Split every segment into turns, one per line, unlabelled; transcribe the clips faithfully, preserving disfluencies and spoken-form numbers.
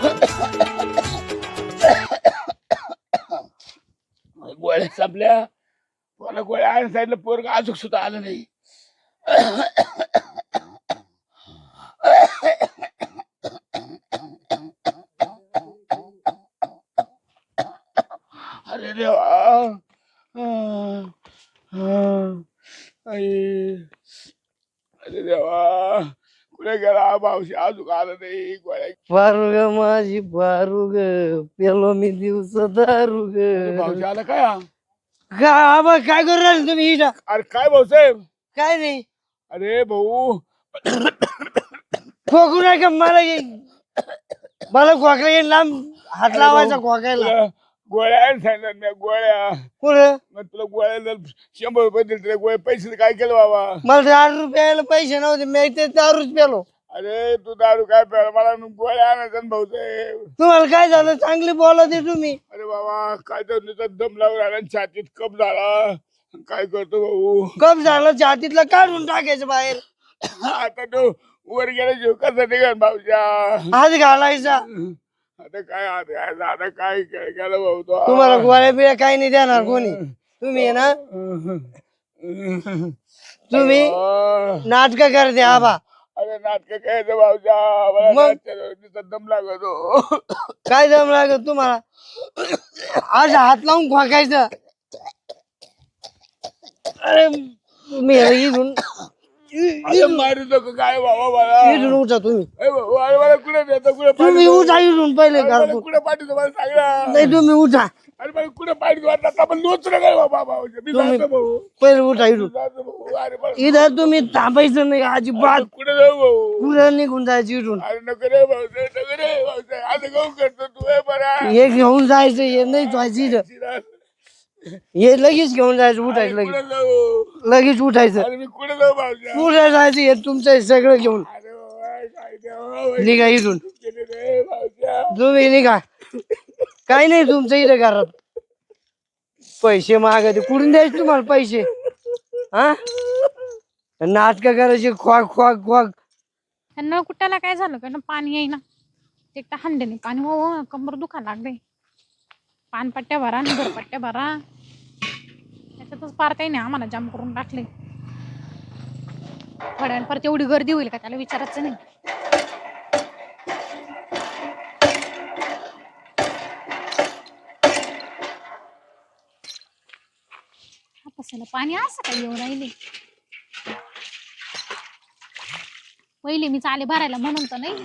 गोळ्या संपल्या. मला गोळ्या आण सांगितलं, पोरग अजून सुद्धा आलं नाही. अरे देवा. आई. अरे देवा, कुठे गेला मावशी, अजून आलं नाही. गोळ्या
पारुग माझी पारुग, पेलो मी दिवस दारू ग.
भाऊजी आला काय?
का आबा काय करू राहिले तुम्ही इथं?
अरे काय भाऊसाहेब?
काय नाही
अरे भाऊ,
खोकू नका मला. ये- मला खोकला येईल, लांब हात लावायचा खोकायला.
तुला गोळ्या आण सांगितलं मी, गोळ्या.
कुठं?
मग तुला गोळ्या शंभर रुपये दिले, तुला गोळ्या पैसे काय केलं बाबा?
मला दारू प्यायला पैसे नव्हते, मी ते दारूच प्यालो.
अरे तू दारू काय प्यायला, मला गोळ्या आणायचा ना भाऊसाहेब.
तुम्हाला काय झालं? चांगली बोला ते तुम्ही.
अरे बाबा, काय तर नुसता दम लावून आला आणि छातीत कप झाला. काय करतो भाऊ?
कप झालं, छातीतला काढून टाकायचं बाहेर.
आता तो वर गेला जीव कसा निघाल भाऊच्या?
हात घालायचा.
आता काय हात घालायचा? आता काय केलं भाऊ तो?
तुम्हाला गोळ्या बिळ्या काही नाही देणार कोणी. तुम्ही आहे ना, तुम्ही नाटक करते आबा.
अरे नाटक काय भाऊच्या? मला दम लागतो.
काय दम लागत तुम्हाला? आज हात लावून खोकायचं. अरे तुम्ही इथून
मारू नको काय बाबा मला.
इथून उठा तुम्ही.
ए भाऊ, अरे मला कुठे देतो, कुठे
तुम्ही उठा इथून पहिले
मला
का.
कुठे पाठवतो मला सांग ना.
नाही तुम्ही उठा.
अरे मला कुठे पाठवतो आता? आपण लोच काय बाबा भाऊ? मी
तुम्ही
जातो भाऊ,
पहिले उठा इथून.
जातो भाऊ. अरे मला
इथं तुम्ही थांबायचं नाही अजिबात.
कुठे जाऊ भाऊ?
पुढं निघून जायचं इथून.
अरे नको रे भाऊसाहेब, नको रे भाऊसाहेब. असं काहून करतो तू? हे बरा
हे घेऊन जायचं, हे नाही जायचं इथं. हे लगेच घेऊन जायचं, उठायचं लगेच.
कुठे जाऊ?
लगेच उठायचं.
अरे मी कुठे जाऊ भाऊसाहेब?
पुढे जायचं, हे तुमचं आहे सगळं घेऊन.
अरे बाबा, काय देवा,
निघा इथून.
केले रे भाऊसाहेब.
तुम्ही निघा. काही नाही तुमचं इथं घरात. पैसे मागायचे, कुठून द्यायचे तुम्हाला पैसे? हा, नाटक करायचे, खोक खोक खोक.
नळ कुट्याला काय झालं का ना, पाणी येईना. एक तर हंड्याने पाणी, हो कंबर दुखायला लागले. पानपट्ट्या भरा आणि घरपट्ट्या भरा, त्याच्यातच पार काही नाही आम्हाला जाम करून टाकले. थोड्या वेळ परत एवढी गर्दी होईल का त्याला विचारायचं नाही. हापासाला पाणी असं काही येऊ राहिले. पहिले मी चाले भरायला म्हणून तर नाही.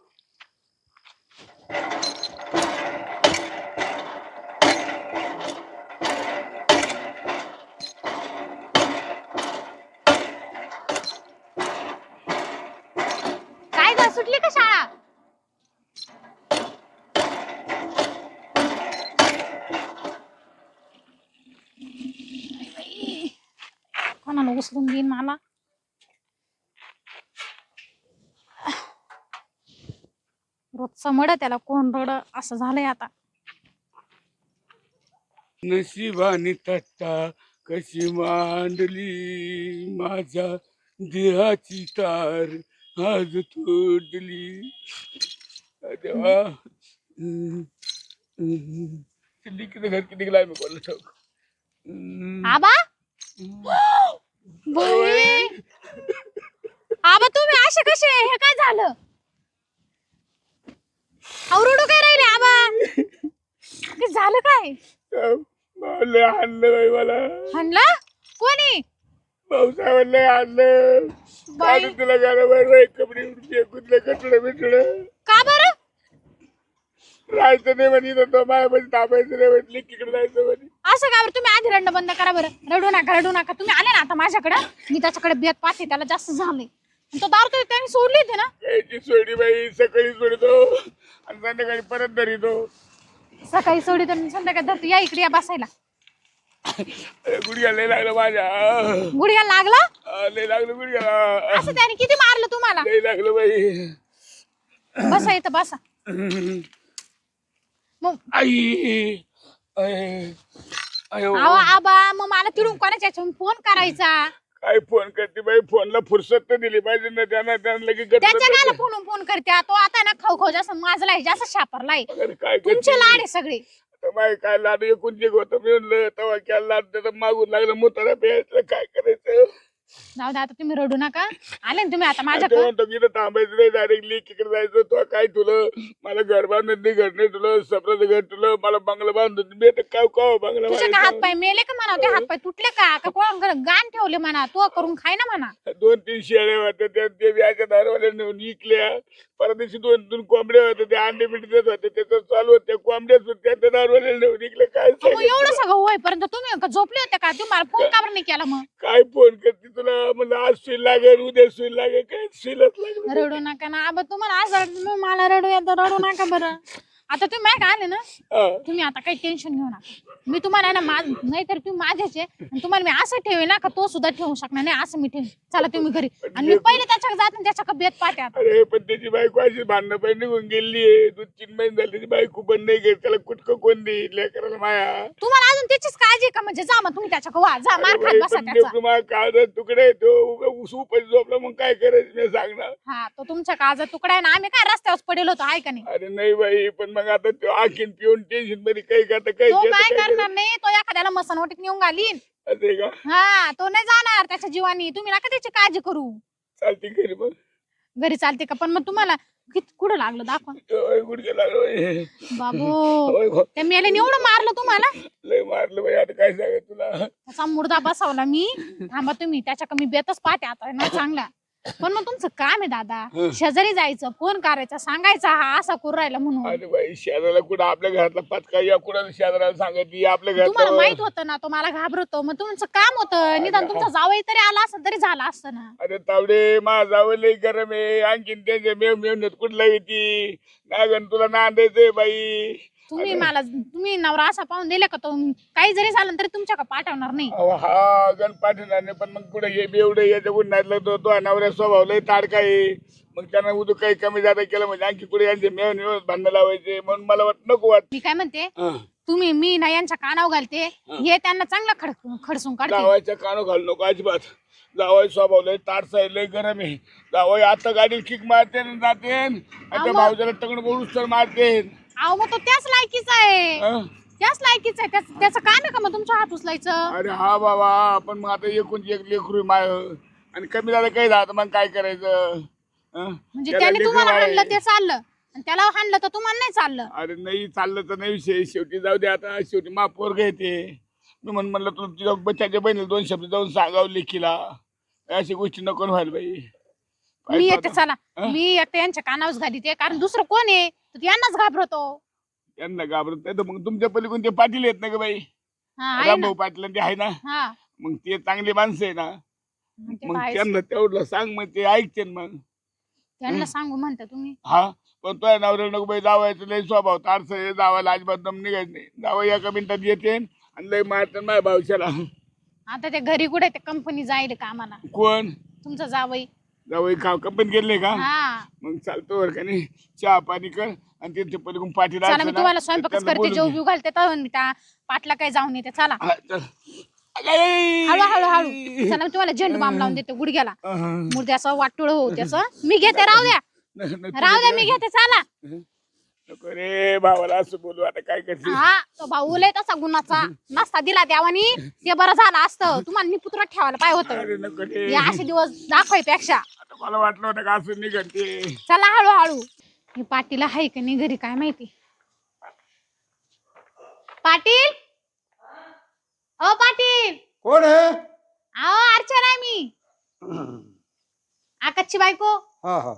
काय ग, सुटली का शाळा? कोणाला उचलून देईन मला? रोजचं मड त्याला कोण रड असं झालंय आता.
नशिबाने तट्टा कशी मांडली, माझ्या देहाची तार आज तोडली. देवा, किती किती घर किती गेला मी बोललो ठाऊक.
आबा, बाई. आबा तुम्ही असे कसे? हे काय झालं? आवरडू काय राहिले आबा? हे झालं काय?
लय आणलं बाई मला.
हाणलं कोणी?
भाऊसाहेबांना आणलं.
बाई.
आणि तुला घराबाहेर कपडे फेकून कटलं बिटलं.
का बरं?
राहायचं नाही म्हणे, तो माझ्यामध्ये थांबायचं नाही म्हटली, तिकडे जायचं म्हणे.
असं का बरं? तुम्ही आधी रडणं बंद करा बरं. रडू नका, रडू नका. तुम्ही आले ना आता माझ्याकडे, मी त्याच्याकडे बेत पाहते, त्याला जास्त झालंय. तो दारू तर त्यांनी सोडली होती ना?
यायची सोडी बाई, सकाळी सोडतो आणि संध्याकाळी परत धरितो.
सकाळी सोडी तर संध्याकाळी धरतो. या इकडे, या बसायला.
गुडघ्या लय लागलं माझ्या.
गुडघ्याला लागला?
हा, लय लागलं गुडघ्याला.
असं त्याने किती मारलं तुम्हाला?
लय लागलं बाई.
बसा इथं, बसा. मग
आई आई, आयो.
आवा आबा, मग मला तिडून कोणाच्या ह्याच्यावरून फोन करायचा.
काय फोन करते बाई, फोनला फुरसत तर दिली पाहिजे ना त्यांना, त्यांना लगेच गटगट
त्याच्या
करते.
गाला फोन फोन करते तो आता ना खाऊ खाऊ जास्त माजलाय जास्त शापरलाय
अरे काय
तुमचे
करते?
लाड आहे सगळे
आता बाई काय लाड एकूण जे होतं मी म्हणलं तेव्हा काय लाड त्याचं मागून लागलं मुतारा प्यायचं काय करायचं.
जाऊ दे आता तुम्ही रडू नका आले ना तुम्ही आता
ते
माझ्याकडे
म्हणतो की इथं थांबायचं नाही, डायरेक्टली इकडे जायचं. तो काय तुला मला घर बांधून नाही, घर नाही तुला, सपनाचं घर तुला, मला बंगला बांधून मी आता काय काय बंगला
तुझे का हात
बांधायचा?
पाय मेले का म्हणा ते हात पाय तुटले का का कोण गाण ठेवले म्हणा तू करून खाय ना म्हणा
दोन तीन शेळ्या होत्या त्या ते व्याच्या दारवाल्या नेऊन विकल्या. परत दिवशी दोन दोन कोंबड्या होत्या त्या अंडे बिंडे देत होते त्याचं चालू होत्या कोंबड्या सुद्धा त्या दारवाल्या नेऊन विकल्या. काय
मग
सांगायचं?
एवढं सगळं होईपर्यंत तुम्ही का झोपले होते का तुम्हाला फोन का बरं नाही केला मग
काय फोन करते तुला म्हणलं आज सुई लागेल उद्या सुई लागेल काय सुईलाच लागेल.
रडू नका ना आबा तुम्हाला आज रडू मग मला रडू येतं रडू नका बरं आता तुम्ही माहिती का आले ना
हा.
तुम्ही आता काही टेन्शन घेऊ नका मी तुम्हाला ना माझ नाही तर तुम्ही माझ्याच आहे आणि तुम्हाला मी असं ठेवे ना का तो सुद्धा ठेवू शकणार नाही असं मी ठेवेन. चला तुम्ही घरी आणि मी पहिले त्याच्याकडे जात आणि त्याच्या बेत पाहते आता
अरे पण त्याची बायको अशी भांडणं पण निघून गेली आहे. दोन तीन महिने झाले त्याची बायको पण नाही घेत. त्याला कुटकं कोण देईल लेकराला माया.
तुम्हाला अजून त्याचीच काळजी आहे का म्हणजे जा मग तुम्ही त्याच्याकडे वा जा मार खात बसा त्याचा
काळजात तुकडे तो उपाशी झोपला मग काय करायचं मी सांग ना.
हा तो तुमच्या काळजात तुकडा आहे ना आम्ही काय रस्त्यावर पडेल होतो आहे का नाही
अरे नाही बाई पण मग आता तो आखीन पिऊन टेन्शन मध्ये काही करता काही
तो
घेतं,
काय
काही
करणार नाही तो एखाद्याला मसनवटीत नेऊन घालीन
करतं. असं आहे का?
हा तो नाही जाणार त्याच्या जीवानी तुम्ही नका त्याची काळजी करू
चालते घरी मग
घरी चालते का पण मग तुम्हाला किती कुठं लागलं दाखवा
ओय, गुडघे लागलो बाई.
बाबू
ओय, गो.
त्या मेल्याने एवढं मारलं तुम्हाला
लय मारलं बाई आता काय सांगाय तुला.
त्याचा मुर्दा बसवला मी थांबा तुम्ही त्याच्या कमी बेतच पाहते आता ना चांगला पण मग तुमचं काम आहे दादा शेजारी जायचं फोन करायचा सांगायचा हा असा करू राहिला म्हणून
अरे बाई शेजाऱ्याला कुठं आपल्या घरातला पत्का या कुणाला शेजाऱ्याला सांगितली आपल्या
तुम्हाला
घरात.
माहित होतं ना तो मला घाबरतो मग तुमचं काम होतं निदान तुमचा जावई तरी आला असं तरी झालं असतं ना
अरे तावडे माझा जावं लय गरम आहे. आणखीन त्यांच्या मेव मेवण्यात कुठला येते नागन तुला नांदायचंय बाई.
तुम्ही मला तुम्ही नवरा असा पाहून दिले का तो काही जरी झालं तरी तुमच्याकडे पाठवणार नाही
अहो, हा गण पाठवणार नाही पण मग कुठं हे बेवडं याच्या कुठं नाही तो तो नवऱ्या स्वभाव लय ताडका आहे. मग त्यांना उदू काही कमी जादा केलं म्हणजे आणखी कुठे यांचे मेव मेव भांडणं लावायचे म्हणून मला वाट नको वाट.
मी काय म्हणते तुम्ही मी ना यांच्या कानावर घालते हे त्यांना चांगलं खड खडसून काढते
जावायच्या कानो घालू नको अजिबात. जावाय स्वभाव लय ताडसा आहे लय गरम आहे. जावाय आता गाडी किक मारते आणि जाते आणि त्या भाऊजाला तगड बोलूच तर मारते.
अहो मग तो त्याच लायकीचा आहे
हं?
त्याच लायकीचा आहे त्याच- त्याचं काम आहे का मग तुमच्या हात उचलायचं
अरे हा बाबा पण मग आता एकूण एक लेकरू माय आणि कमी झालं काही झालं मग काय करायचं. हं?
म्हणजे
त्याला
त्याने
लेकरं
तुम्हाला
बाळ
हाणलं
आहे.
ते चाललं आणि त्याला हाणलं तर तुम्हाला नाही चाललं
अरे नाही चाललं तर नाही विषय शेवटी जाऊ दे आता शेवटी मा पोरग येते मी म्हण म्हणलं तुला तुझ्या बच्चाच्या बहिणीला दोन शब्द जाऊन सांगावं लेखीला अशी गोष्टी नको व्हायला बाई. काय
मी
तो
येते
आता-
चला
हं?
मी एकटे यांच्या कानावर घालीते कारण दुसरं कोण आहे तर यांनाच घाबरतो
त्यांना घाबरत नाही तर मग तुमच्या पलीकडून ते पाटील येत ना ग बाई.
हा आहे ना
रामभाऊ पाटील आणि ते आहे ना
हा
मग ते चांगली माणसं आहे ना.
मग ते
मग
काय
त्यांना तेवढं सांग मग ते ऐकते ना मग.
त्यांना सांगू म्हणता तुम्ही
हा पण तो नवऱ्या नको बाई जावायचं लय स्वभाव तारस आहे जावायला अजिबात दम निघायचं नाही. जावं एका मिनिटात येते आणि लय मारते माझ्या भावशाला.
आता ते घरी कुठे ते कंपनी जाईल कामाला
कोण
तुमचं जावई
जावई का कंपनी गेले का
हा
मग चालतो वर का नाही चहा पाणी कर आणि त्यांच्या पलीकडून पाठी
चला मी तुम्हाला स्वयंपाकच करते जेव बिव घालते तर मी त्या पाटला काही जाऊन येते चला हळू हळू हळू चला मी तुम्हाला झेंडू बाम लावून देते गुडघ्याला मुर्द्याचं वाटुळ हो त्याचं मी घेते राहू द्या राहू द्या मी घेते चला
नको रे भावाला असं बोलू आता काय करते.
हा तो भाऊ लय तसा गुणाचा नसता दिला देवानी ते बरं झालं असतं तुम्हाला निपुत्रात ठेवायला पाहिजे
अरे
होतं
नको रे
हे असे दिवस दाखवायपेक्षा
आता मला वाटलं होतं का असं निघते.
चला हळूहळू हे पाटील आहे का नाही घरी काय माहिती पाटील ओ पाटील
कोण आहे?
अहो अर्चना आहे मी आकाशची बायको
हा हा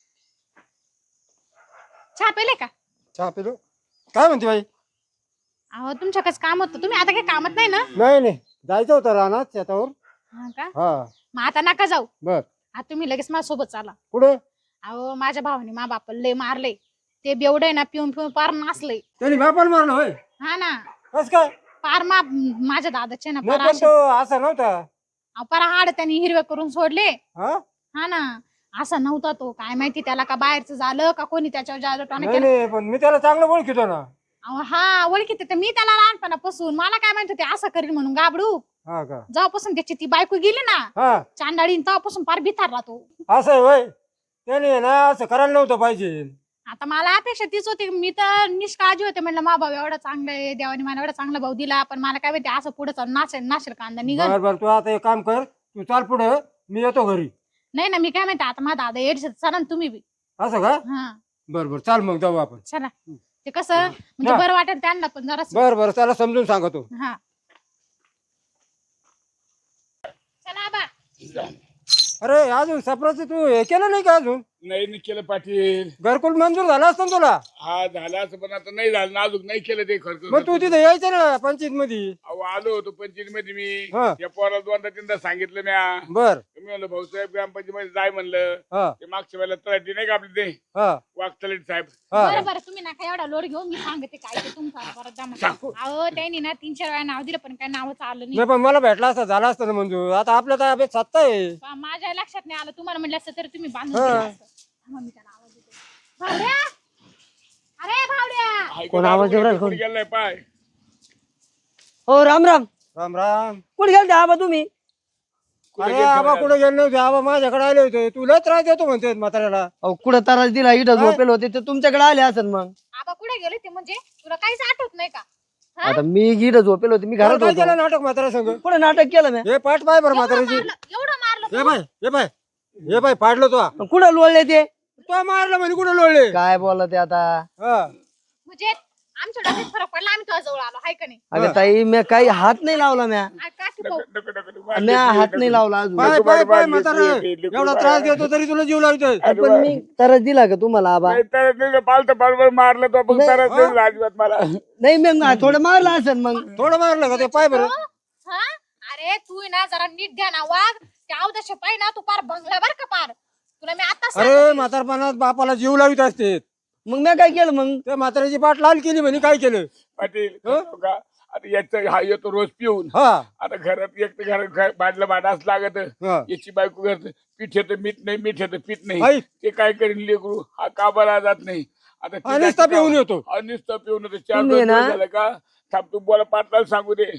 चहा पेले का
चहा पिलो. काय म्हणते बाई?
अहो तुमच्याकडे काम होतं तुम्ही आता काही कामात नाही ना
नाही नाही जायचं होतं रानात शेतावर.
हा का
हा
मग आता नका जाऊ
बर
आता तुम्ही लगेच माझ्या सोबत चाला
कुठे?
अहो माझ्या भावाने मा बापाला लय मारले ते बेवडे ना पिऊन पिऊन पार नाचले
त्यांनी बापाला मारलं होय?
हा ना
कस काय?
पार मा माझ्या दादाचे ना
नाही
पार
पण
असे-
तो असा नव्हता.
अहो, पार हाड त्यांनी हिरवे करून सोडले
हा
हा ना असा नव्हता तो काय माहिती त्याला का बाहेरचं झालं का कोणी त्याच्यावर जादू टोना
नाही
केला
नाही पण मी त्याला चांगलं ओळखीतो ना.
अहो, हा ओळखीत तर मी त्याला लहानपणापासून मला काय माहिती ते असं करील म्हणून गाबडू
हा का
जेव्हापासून त्याची ती बायको गेली ना
हा
चांडाळी तेव्हापासून पार भितारला तो.
असं आहे वय त्याने ना असं करायला नव्हतं पाहिजे.
आता मला अपेक्षा तीच होती. मी तर निष्काळजी होते म्हणलं मा भाऊ एवढा चांगला आहे देवाने मला एवढा चांगला भाऊ दिला पण मला काय माहिती असं पुढे चालून नाशेल नाशेल कांदा निघल.
बर बर तू आता एक काम कर तू चाल पुढे मी येतो घरी.
नाही ना मी काय माहिती आता माझा दादा येड चला ना तुम्ही बी.
असं का
हा
बर बर चाल मग जाऊ आपण.
चला ते कसं म्हणजे
हा.
बरं वाटेल त्यांना पण जरा.
बर बर त्याला समजून सांगतो.
हा चला बा.
अरे अजून सपराचं तू हे केलं नाही का अजून
नाही नाही केलं पाटील.
घरकुल मंजूर झाला असतं ना तुला.
हा झाला असं पण आता नाही झालं नाजूक नाही केलं ते खर्च.
मग तू तिथे यायचं ना पंचायत मध्ये.
अहो आलो होतो पंचायत मध्ये मी
हा.
या पोराला दोनदा तीनदा सांगितलं म्या.
बर
मी म्हणलं भाऊसाहेब ग्रामपंचायत मध्ये जाय म्हणलं.
हा
ते मागच्या वेळेला तलाठी नाही का आपले ते
हा
वाघतलेट साहेब.
हा
बरं बरं तुम्ही नका एवढा लोड घेऊ मी सांगते काय ते तुमचा परत जमा. अहो त्यांनी ना तीन चार वेळा नाव दिलं पण काय नावच आलं नाही.
नाही पण मला भेटला असता झाला असतं ना मंजूर. आता आपल्या तर अभ्यास सत्ता आहे.
बा, माझ्या लक्षात नाही आलं तुम्हाला म्हणलं असतं तर तुम्ही बांधून
हा.
दिलं असतं. थांबा, मी त्याला आवाज देते. भावड्या अरे भावड्या
हाय
कोण
का
आवाज
दारू
देऊ राहिला?
कुठे गेलाय पाय.
हो राम राम.
राम राम.
कुठे गेलते आबा तुम्ही?
कुठे
अरे
गेलते
आबा
म्हणे?
कुठे गेले नव्हते. आबा माझ्याकडे आले होते. तुला त्रास देतो म्हणते म्हाताऱ्याला.
अहो कुठं त्रास दिला इथं
काय?
झोपेल होते तर तुमच्याकडे आले असेल मग.
आबा कुठे गेले ते म्हणजे तुला काहीच आठवत नाही का? हा?
आता मी इथं झोपेल होते मी घरात
काय
होतो.
केलं नाटक म्हाताऱ्या संग.
कुठे नाटक केलं मी?
हे पाठ पाय बरं
एवढं
म्हाताऱ्याची.
मारलं एवढं मारलं
हे बाय हे बाय हे बाय पाडलं तो.
कुठं लोळले ते?
तो मारलं म्हणे कुठे लोळले.
काय बोलला ते आता?
हा
म्हणजे आमच्या डोक्यात फरक पडला आम्ही तुझ्या जवळ आलो हाय का नाही?
अगं ताई मी काही हात नाही लावला म्या.
आ, काठी पाहू.
नको, नको, नको.
म्या हात नाही लावला अजून.
पाय
नको,
पाय
नको,
पाय
नको,
म्हातारा
नको, नको,
एवढा
नको,
त्रास
नको.
देतो तरी तुला जीव लावतोय.
पण मी तरच दिला का तुम्हाला आबा?
नाही तर नाही पालतं बरोबर मारलं तो पण
नाही,
तरच नाही दिलं अजिबात मला.
नाही मग थोडं मारलं असेल मग.
थोडं मारलं का ते पाय बरं.
हा अरे तू आहे ना जरा नीट द्या ना वाघ त्या अवदशे पाय ना तू पार बंगला बर का पार तुला मी आता
अरे म्हातारपणात बापाला जीव लावित असते.
मग मी काय केलं मग?
त्या म्हाताऱ्याची पाठ लाल केली म्हणे काय केलं.
पाटील कसं का आता याचं हा येतो रोज पिऊन.
हा
आता घरात एक तर घरात घ- भांडलं भांडाच लागत.
हा.
याची बायको करत पीठ येतं मीठ नाही मीठ येतं पीठ
आई.
नाही ते काय करेन लेकरू हा काबाला जात नाही. आता ती
आणि
जाती
नुसता पिऊन
का-
येतो.
हा, नुसता पिऊन येतो चार
तुम्ही
दोन
ना-
दिवस झालं का थांब तू बोला पाटलाला सांगू दे.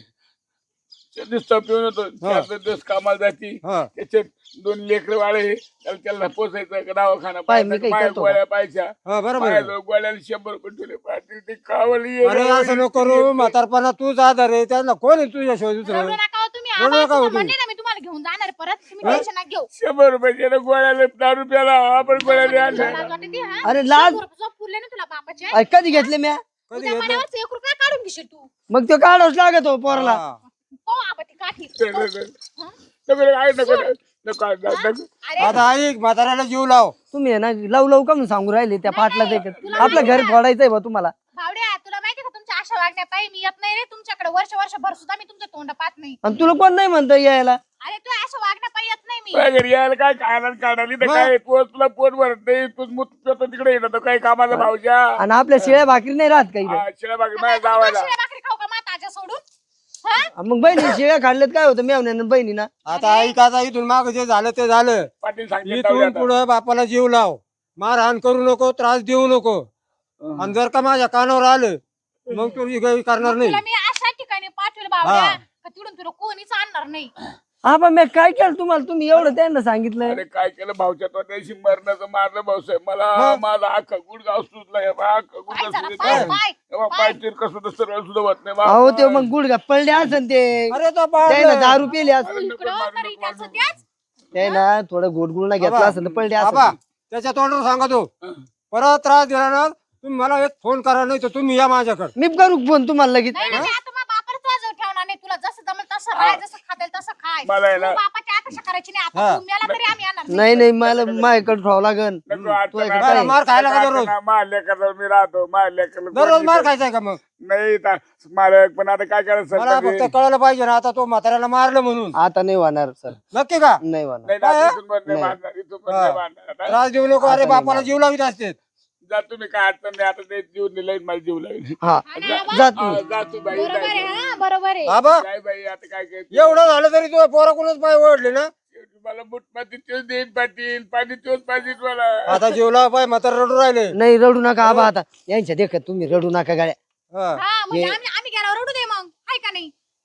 नुसता पिऊन येतो चार दोन दिवस कामाला जाती.
हा
त्याच्यात दोन लेकर वाळे त्याला त्याला पोचायचं दवाखाना
पाय, मी
पाहायचा,
काही
माया
करतो
गोळ्या पाहायच्या
हा बरोबर आहे.
पाहिलं गोळ्याला शंभर रुपये ठेवले पाटील ते कावली
अरे असं नको करू म्हातारपणा तूच आधार आहे त्याला कोण आहे तुझ्याशिवाय
रडू
दुसरं.
नका हो तुम्ही
रडू
आबा,
नका हो
तुम्हाला
तुम्ही.
म्हणले ना मी तुम्हाला घेऊन जाणार परत तुम्ही टेन्शन नका घेऊ.
शंभर रुपये त्याला गोळ्याला दहा रुपयाला आपण गोळ्या आणल्या.
लाज वाटते ती, हा?
अरे लाज-
शंभर रुपये झोप पुरले ना तुला बापाचे
अरे कधी घेतले म्या?
कधी
उद्या
घेतलं.
महिन्यावरच एक रुपया काढून घेशील तू.
मग तो काढावंच लागत हो पोराला.
हा.
हो आबा ती काठी
नको, नको.
हा?
नको, नको, आहे, नको, नको, नको, नको, नको.
अरे
आता ऐक म्हाताऱ्याला जीव लाव.
तुम्ही आहे ना लव लव का म्हणून सांगू राहिले त्या पाटला ते आपलं घर फोडायचंय बा तुम्हाला.
भावड्या तुला माहिती का तुमच्या आशा वागण्या पाहिजे मी येत नाही रे तुमच्याकडे वर्ष वर्षभर सुद्धा मी तुमचं तोंड पाहत नाही.
आणि तुला कोण नाही म्हणतं यायला?
अरे तू अशा वागण्या पाहिजे येत नाही मी.
तुझ्या घरी यायला काय खायला काढाली तर काय तू तुला पोट भरत नाही तू मूत पितो तिकडे येतो काही कामाला भाऊच्या
आणि आपल्या शिळ्या भाकरी नाही राहत काही.
हा, शिळा बाकी माझ्या जावायला
शिळ्या भाकरी खाऊ का माताच्या सोडून हा?
मग बहिणी शिळ्या खाल्ल्यात काय होतं मेवण्यानं बहिणी ना.
आता ऐक आता इथून माग जे झालं ते झालं.
पाटील सांगते
इथून पुढे बापाला जीव लाव. मारहाण करू नको त्रास देऊ नको. आणि जर का माझ्या कानावर आलं मग तू काही करणार नाही.
तुला मी अशा ठिकाणी पाठवेल बावड्या का तिकडून तुला कोणीच आणणार नाही.
हा पण मी काय केलं तुम्हाला? तुम्ही एवढं त्यांना सांगितलं.
अरे काय केलं भाऊच्या तो त्याशी मरणाचं मारलं भाऊसाहेब मला
हा.
माझा अख्खा गुडगाव सुचला हे बा, अख्खा
पाय
गुडगाव
जरा
सुजला.
पाय
हे
पाय
बा, पाय तीर कसं तर सरळ सुद्धा होत नाही बा.
अहो ते मग गुडघ्या पडले असन ते
अरे तो
त्यानं
पाडलं.
दारू पिली असं
नको,
इकडं
मारू
तरी
नको,
त्याचं
मारू
त्याच
ते ना थोडं गोडगुळना घेतला
आबा,
असेल तर पडले
आबा
असं.
त्याच्या तोंडावर सांगतो परत त्रास दिला ना तुम्ही मला एक फोन करा नाही तर तुम्ही या माझ्याकडे.
मी करू फोन तुम्हाला लगेच.
नाही नाही मी आता मग बापाला तुझ्या जवळ ठेवणार नाही. तुला जसं जमेल तसं राह जसं खातेल तसं खाय.
मला आहे ना-
तू बापाची अपेक्षा करायची नाही.
हा.
आता तू मेला तरी आम्ही येणार नाही.
नाही नाही मला माझ्याकडे ठेवावं लागन.
नको, आता
तू एक
ना-
काय?
मार खायला का
आता
दररोज?
ना मारल्या करता मी राहतो मारल्या
दररोज मार खायचाय का मग?
नाही ता- मालक पण आता काय करायचं
मला
सरकारी?
फक्त कळलं पाहिजे ना आता तो म्हाताऱ्याला मारलं म्हणून.
आता नाही होणार सर.
नक्की का?
नाही होणार.
नाही ना, इथून पण नाही मारणार, इथून पण नाही मारणार. आता
त्रास देऊ नको. अरे बापाला जीव लावित असते.
जा तुम्ही काय अडचण नाही आता ते जीव दिलाय मला जीव लागेल
हा
आणि आबा,
जा
हा,
तुम्ही.
जा तू बाई
बरोबर आहे
जा.
हा बरोबर आहे.
आबा
काय बाई आता काय काय
एवढं झालं तरी तू पोराकडूनच पाय ओढले ना.
मला बुट पाती तोच देईन पाटील पाणी तोच पाहिजे मला
आता जीव लाव पाय म्हातारा रडू राहिले.
नाही रडू नका आबा आता यांच्या देखत तुम्ही रडू नका गाड्या.
हा.
हा म्हणजे आम्ही आम्ही गेल्यावर रडू दे मग हाय का नाही.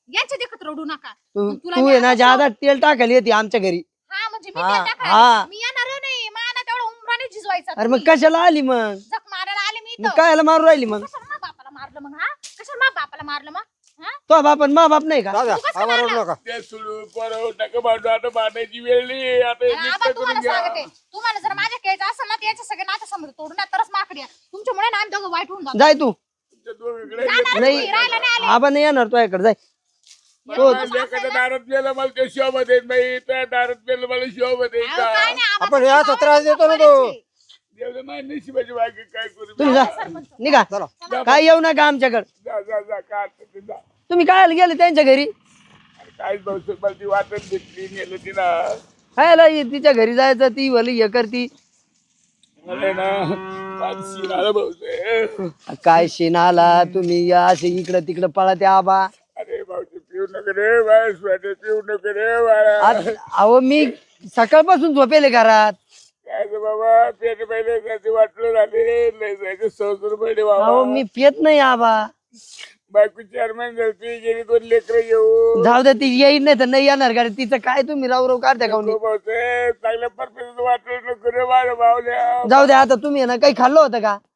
यांच्या देखत रडू नका.
तू
मग तुला
तू
मी
आहे ना
आता
ज्यादा तेल टाकायला येते आमच्या घरी.
हा म्हणजे मी
हा,
तेल टाकायला.
हा.
मी येणार नाही. मला तेवढं उमराने झिजवायचा
अरे मग
तुम्ही.
कशाला आली मग?
जख मारायला आले मी
मग
इथं.
कायला मारू राहिली मग?
कशाला मा बापाला मारलं मग? हा कशाला मा बापाला मारलं मग? हा
तो बाप मा बाप नाही का?
दादा
तू कसं
आवाज
मारला?
नका.
ते सोडून पोरं नका भांडू, आता भांडायची वेळ नाही. आता हे
आणि
नीट
आबा
करून
तुम्हाला
घ्या.
सांगते, तुम्हाला जर माझ्या केळीचं असेल ना तर याच्या सगळे नातं समोर तोडून द्या, तरच माकडे तुमच्यामुळे ना आम्ही दोघं वाईट होऊन जातो.
जाय तू.
तुमच्या दोघीकडे
जाणार
नाही.
तुम्ही, राहायला नाही आले.
आबा नाही येणार तो इकडे. जाय.
मला लेकाच्या दारात गेलं मला ते शोभा देत नाही, त्या दारात गेलं मला शोभा देत
अहो, काय नाही, आबा
आपण
तुमच्या
याचा त्रास देतो ना तो.
गावाला
देवलं माझ्या नशिबाची बाकी काय करू.
तुम्ही जा निघा.
चला.
काय येऊ नका आमच्याकडे.
जा जा जा काय असेल ते जा.
तुम्ही काय गेले त्यांच्या घरी?
अरे काहीच भाऊ मला ती वाटत भेटली नेलं तिला.
खायला तिच्या घरी जायचं, ती भली हे करती.
मला ना पाचशे आलं भाऊ.
काय शेणाला तुम्ही असे इकडं तिकडं पळा आबा.
अरे भाऊजी पिऊ नको रे बाय, स्वेटर पिऊ नको रे बाळा.
आज- अहो मी सकाळपासून झोपेले घरात.
काय रे बाबा, पेट पहिले त्याचे वाटलं झाले लय जायचे सौसर पडले
अहो
बाबा.
मी पेत नाही आबा.
बायको चेअरमॅन झाली, गेली दोन लेकरं घेऊन.
जाऊ दे, ती येईल नाही तर नाही येणार गाडी. तिचं काय तुम्ही राव राव काढता का
नको भाऊसाहेब, चांगल्या परफेक्ट वाटलं नको रे माझ्या भावल्या.
जाऊ दे आता. तुम्ही आहे ना काही खाल्लं होतं का?